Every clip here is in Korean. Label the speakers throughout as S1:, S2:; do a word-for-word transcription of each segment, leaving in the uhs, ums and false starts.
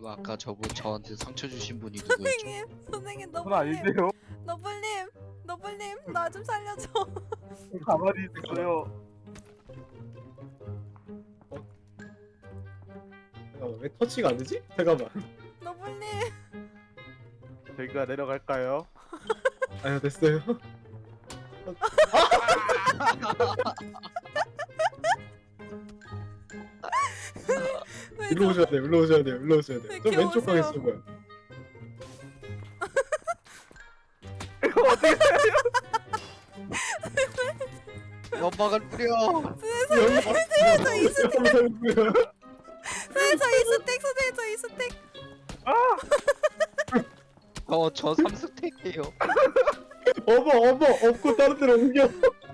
S1: 아까 저분 저한테 상처 주신 분이 누구였죠?
S2: 선생님, 선생님
S3: 그건
S2: 너블님,
S3: 아닌데요.
S2: 너블님, 너블님 나 좀 살려줘.
S3: 가만히 있어요.
S4: 잠깐만, 왜 터치가 안 되지? 잠깐만.
S2: 너블님.
S3: 저희가 내려갈까요?
S4: 아유, 됐어요.
S2: 왜
S4: 일로
S2: 저-
S4: 오셔야 돼요, 일로 오셔야 돼요, 일로 오셔야 돼요. 저
S2: 이렇게
S4: 왼쪽 방에
S2: 오세요.
S4: 있을 거야.
S1: 연막을 뿌려.
S2: 선생님, 저 이스택,
S4: 연막.
S2: 선생님 저 이스택, 선생님 저 이스택.
S1: 어저 삼스택이에요.
S4: 어머, 어머, 업고 다른 데로 옮겨.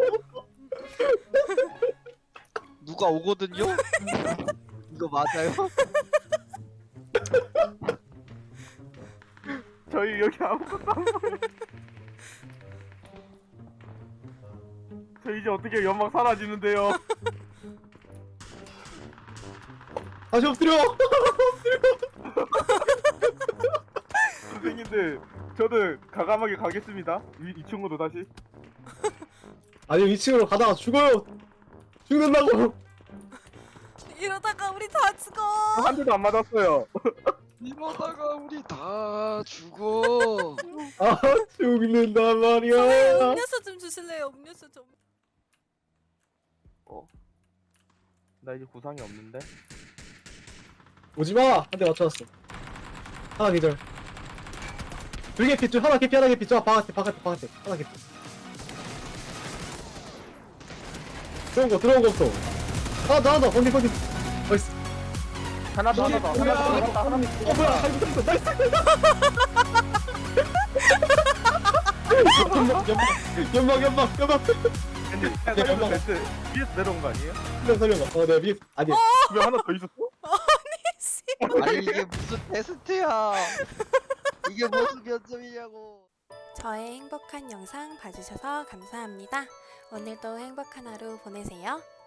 S1: 누가 오거든요? 이거 맞아요?
S3: 저희 여기 아무것도 안 보여. 저 이제 어떻게 연막 사라지는데요?
S4: 다시 엎드려.
S3: 선생님들, 저는 가감하게 가겠습니다. 이, 이 친구도 다시.
S4: 아니, 이 층으로 가다가 죽어요. 죽는다고.
S2: 이러다가 우리 다 죽어.
S3: 한 대도 안 맞았어요.
S1: 이러다가 우리 다 죽어.
S4: 아, 죽는단
S2: 선생님
S4: 말이야.
S2: 음료수 좀 주실래요? 음료수 좀.
S3: 어. 나 이제 구상이 없는데.
S4: 오지마. 한 대 맞춰놨어. 하나 기절. 둘 개피, 둘 하나 개피, 하나 개피. 저 바깥에, 바깥에, 바깥에. 하나 개피. 들어온 거, 들어온 거 없어. 하나 더, 하나 더. 건디, 건디. 나이스.
S3: 하나 더, 하나 더, 하나 더, 하나 더, 하나 더.
S4: 어, 뭐야. 잘 붙었어. 나이스. 연막, 연막, 연막, 연막, 연막.
S3: 근데
S4: 네,
S3: 살려줘,
S4: 연막.
S3: 벤트. 위에서 내려온 거 아니에요?
S4: 살려, 살려봐. 어, 내가 위에, 아니야.
S3: 왜 하나 더 있었어?
S2: 씨.
S1: 아니 이게 무슨 테스트야? 이게 무슨 면접이냐고?
S2: 저의 행복한 영상 봐주셔서 감사합니다. 오늘도 행복한 하루 보내세요.